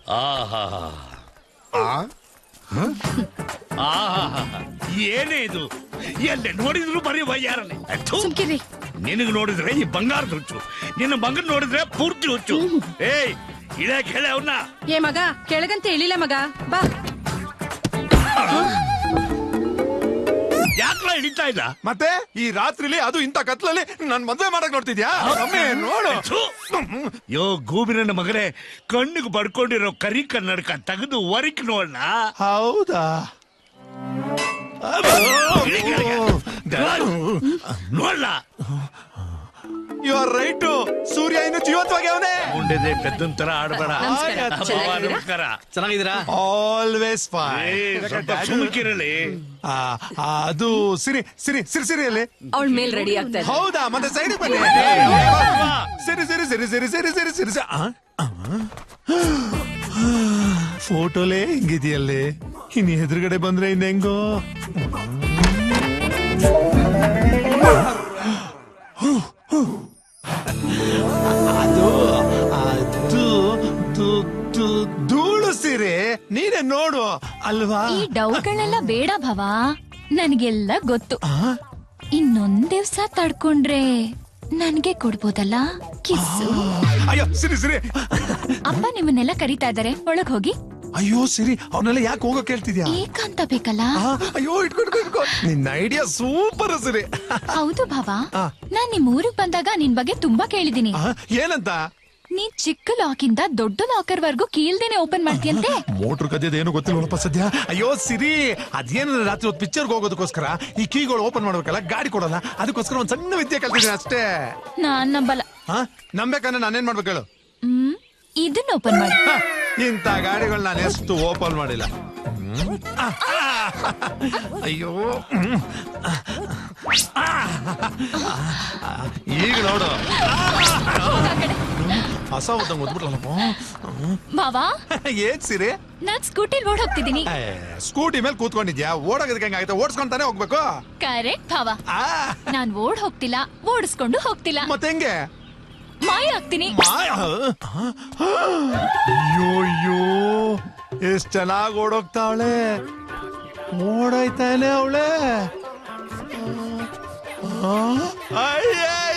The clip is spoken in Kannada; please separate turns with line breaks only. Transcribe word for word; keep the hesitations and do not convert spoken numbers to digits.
ಏನೇ ಇದು ಎಲ್ಲೆ ನೋಡಿದ್ರು ಬರೀ ವಯ್ಯಾರನೆ. ನಿನಗೆ ನೋಡಿದ್ರೆ ಈ ಬಂಗಾರದ ಹುಚ್ಚು, ನಿನ್ನ ಮಗನ್ ನೋಡಿದ್ರೆ ಪೂರ್ತಿ ಹುಚ್ಚು. ಏಯ್ ಇಳೆ ಕೇಳೆ ಅವನ್ನ.
ಏ ಮಗ ಕೆಳಗಂತ ಹೇಳಿಲ್ಲ ಮಗ, ಬಾ.
ಯಾಕಲ ಹಿಡಿತಾ ಇಲ್ಲ
ಮತ್ತೆ ಈ ರಾತ್ರಿಲಿ ಅದು ಇಂತ ಕತ್ಲಲ್ಲಿ ನನ್ ಮದ್ವೆ ಮಾಡಕ್ ನೋಡ್ತಿದ್ಯಾ? ನೋಡು
ಯೋ ಗೂಬಿನ ಮಗನೇ, ಕಣ್ಣಿಗೆ ಬಡ್ಕೊಂಡಿರೋ ಕರಿ ಕನ್ನಡಕ ತೆಗೆದು ವರಿಕ್ ನೋಡ್ನ.
ಹೌದಾ?
ನೋಡ್ಲ.
You are right. ಸೂರ್ಯ ಇನ್ನು ಜೀವಂತವಾಗಿ ಅವನೇ.
ಮುಂದೆ ಪೆದ್ದನ್ ತರ ಆಡ್ಬೇಡ. ನಮಸ್ಕಾರ.
ಚೆನ್ನಾಗಿದ್ದೀರಾ?
Always fine.
ಸುಮ್ಕಿರಲಿ.
ಅದು ಸಿರಿ ಸಿರಿ ಸಿರಿ ಸಿರಿಯಲ್ಲಿ
ಅವಳ ಮೇಲ್ ರೆಡಿ ಆಗ್ತಾ ಇದೆ.
ಹೌದಾ? ಮತ್ತೆ ಸೈಡ್ ಬನ್ನಿ. ಸಿರಿ ಸಿರಿ ಸಿರಿ ಸಿರಿ ಸಿರಿ ಸಿರಿ ಸಿರಿ ಫೋಟೋಲೇ ಹಿಂಗಿದೆಯಲ್ಲೇ. ಇನ್ನು ಎದುರುಗಡೆ ಬಂದ್ರೆ ಇನ್ ಹೆಂಗೋ. ಅದು ಅದು ಧೂಳು ಸೀರೆ. ನೀನೇ ನೋಡು ಅಲ್ವಾ?
ಈ ಡೌಟ್ಗಳೆಲ್ಲ ಬೇಡ ಭವ, ನನ್ಗೆಲ್ಲ ಗೊತ್ತು. ಇನ್ನೊಂದ್ ದಿವ್ಸ ತಡ್ಕೊಂಡ್ರೆ ನನ್ಗೆ ಕೊಡ್ಬೋದಲ್ಲ ಕಿಸ್ಸು.
ಅಯ್ಯೋ ಸಿರಿ ಸಿರಿ,
ಅಪ್ಪ ನಿಮ್ಮನ್ನೆಲ್ಲ ಕರೀತಾ ಇದಾರೆ, ಒಳಗ್ ಹೋಗಿ.
ಅಯ್ಯೋ ಸಿರಿ, ಅವನ್ನೆಲ್ಲ ಯಾಕೆ ಹೋಗೋ ಕೇಳ್ತಿದ್ಯಾ?
ಏಕಂತ ಬೇಕಲ್ಲ.
ಅಯ್ಯೋ ಇಟ್ಕೊಂಡು ಇಟ್ಕೊ. ನಿನ್ನ ಐಡಿಯಾ ಸೂಪರ್ ಸಿರಿ.
ಹೌದು ಭಾವ, ನಾನ್ ನಿಮ್ ಊರಿಗೆ ಬಂದಾಗ ನಿನ್ ಬಗ್ಗೆ ತುಂಬಾ ಕೇಳಿದೀನಿ.
ಏನಂತ?
ನೀನ್ ಚಿಕ್ಕ ಲಾಕ್ ಇಂದ ದೊಡ್ಡ ಲಾಕರ್ ವರ್ಗು ಕೀಳ್ದೇನೆ ಓಪನ್ ಮಾಡ್ತೀಯಂತೆ.
ಮೋಟ್ರ್ ಕದ್ದೇನು ಗೊತ್ತಿಲ್ವಪ್ಪ ಸದ್ಯ. ಅಯ್ಯೋ ಸಿರಿ, ಅದೇನ ರಾತ್ರಿ ಹೊತ್ತು ಪಿಕ್ಚರ್ಗೆ ಹೋಗೋದಕ್ಕೋಸ್ಕರ ಈ ಕೀಗಳು ಓಪನ್ ಮಾಡ್ಬೇಕಲ್ಲ, ಗಾಡಿ ಕೊಡಲ್ಲ, ಅದಕ್ಕೋಸ್ಕರ ಒಂದ್ ಸಣ್ಣ ವಿದ್ಯೆ ಕಲ್ತಿದ್ದೀನಿ ಅಷ್ಟೇ.
ನಾನ್ ನಂಬಲ್ಲ.
ನಂಬೇಕಂದ್ರೆ ನಾನೇನ್ ಮಾಡ್ಬೇಕು ಹೇಳು?
ಹ್ಮ್ ಇದನ್ನ ಓಪನ್ ಮಾಡಿ.
ಇಂಥ ಗಾಡಿಗಳು ನಾನು ಎಷ್ಟು ಓಪನ್ ಮಾಡಿಲ್ಲ. ಅಯ್ಯೋ ಈಗ ನೋಡು, ಹೊಸ ಓದಂಗ್ ಓದ್ಬಿಟ್ಲಲ್ಲಪ್ಪ.
ಬಾವಾ
ಏನ್ ಸಿರಿ?
ನಾನ್ ಸ್ಕೂಟಿಲ್ ಓಡ್ ಹೋಗ್ತಿದ್ದೀನಿ.
ಸ್ಕೂಟಿ ಮೇಲೆ ಕೂತ್ಕೊಂಡಿದ್ಯಾ? ಓಡೋದಕ್ಕೆ ಹೆಂಗಾಯ್ತು? ಓಡಿಸ್ಕೊಂತಾನೆ ಹೋಗ್ಬೇಕು.
ಕರೆಕ್ಟ್ ಭಾವ. ನಾನ್ ಓಡ್ ಹೋಗ್ತಿಲ್ಲ, ಓಡಿಸ್ಕೊಂಡು ಹೋಗ್ತಿಲ್ಲ.
ಮತ್ತೆ ಹೆಂಗೆ?
ಮಾಯ ಆಗ್ತೀನಿ.
ಅಯ್ಯೋಯ್ಯೋ, ಎಷ್ಟ್ ಚೆನ್ನಾಗ್ ಓಡೋಗ್ತಾವಳೆ. ಓಡಾಯ್ತಾನೆ ಅವಳೆ. ಅಯ್ಯ